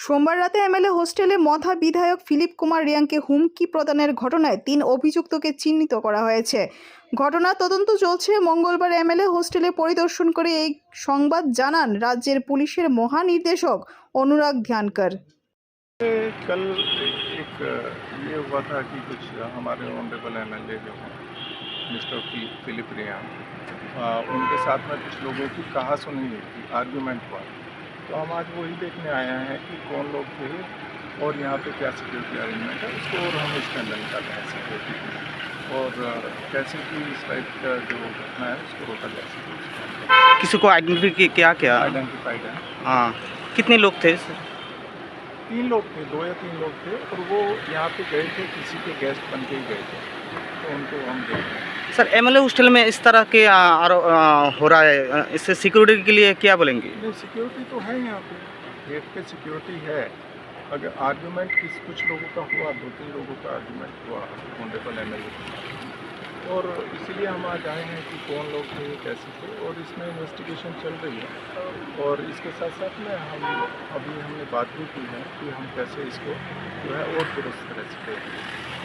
সোমবার রাতে এমএলএ হোস্টেলে মধা বিধায়ক ফিলিপ কুমার রিয়াংকে হুমকি প্রদানের ঘটনায় ৩ অভিযুক্তকে চিহ্নিত করা হয়েছে। ঘটনার তদন্ত চলছে। মঙ্গলবার এমএলএ হোস্টেলে পরিদর্শন করে এই সংবাদ জানান রাজ্যের পুলিশের মহানির্দেশক অনুরাग ध्यानकर। कल एक ये हुआ था कि कुछ हमारे ऑनरेबल एमएलए जो हैं मिस्टर फिलिप रियांग, उनके साथ में कुछ लोगों की कहासुनी हुई थी, आर्गूमेंट हुआ। तो हम आज वही देखने आए हैं कि कौन लोग थे और यहाँ पे क्या सिक्योरिटी अरेंजमेंट है, उसको और हम इसके अंदर निकाल रहे हैं सिक्योरिटी और कैसे कि इस टाइप का जो घटना है उसको रोका जा सके। किसी को आइडेंटिफाई किया क्या? आइडेंटिफाइड है। हाँ, कितने लोग थे? 3 लोग थे, 2 या 3 लोग थे और वो यहाँ पे गए थे, किसी के गेस्ट बन के ही गए थे, तो उनको हम देख रहे हैं। सर, एमएलए हॉस्टल में इस तरह के हो रहा है, इससे सिक्योरिटी के लिए क्या बोलेंगे? नहीं, सिक्योरिटी तो है यहाँ पे, गेट पे सिक्योरिटी है। अगर आर्गूमेंट कुछ लोगों का हुआ, 2-3 लोगों का आर्गूमेंट हुआ ऑनरेबल एमएलए, और इसीलिए हम आज आए हैं कि कौन लोग थे, कैसे थे, और इसमें इन्वेस्टिगेशन चल रही है। और इसके साथ साथ में हमने बात भी की है कि हम कैसे इसको जो है और दुरुस्त तरह से करेंगे।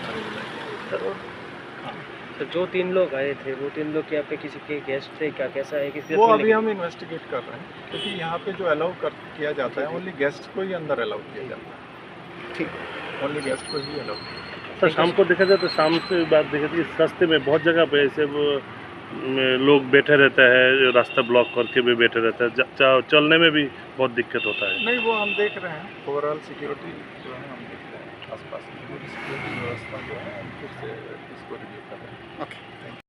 तो जो 3 लोग आए थे वो 3 लोग यहाँ पे किसी के गेस्ट थे क्या, कैसा है? किसी वो अभी हम इन्वेस्टिगेट कर रहे हैं, क्योंकि यहाँ पे जो अलाउ किया जाता है ओनली गेस्ट को ही अंदर अलाउ किया जाता है। ठीक, ओनली गेस्ट को ही अलाउ। सर, शाम को देखा जाए तो शाम से बात देखा जाए इस रास्ते में बहुत जगह पे ऐसे वो लोग बैठे रहते हैं, रास्ता ब्लॉक करके भी बैठे रहते हैं, चलने में भी बहुत दिक्कत होता है। नहीं, वो हम देख रहे हैं, ओवरऑल सिक्योरिटी जो है हम देख रहे हैं, आसपास की पूरी सिक्योरिटी व्यवस्था जो है हम फिर से इसको रिव्यू कर रहे हैं। ओके।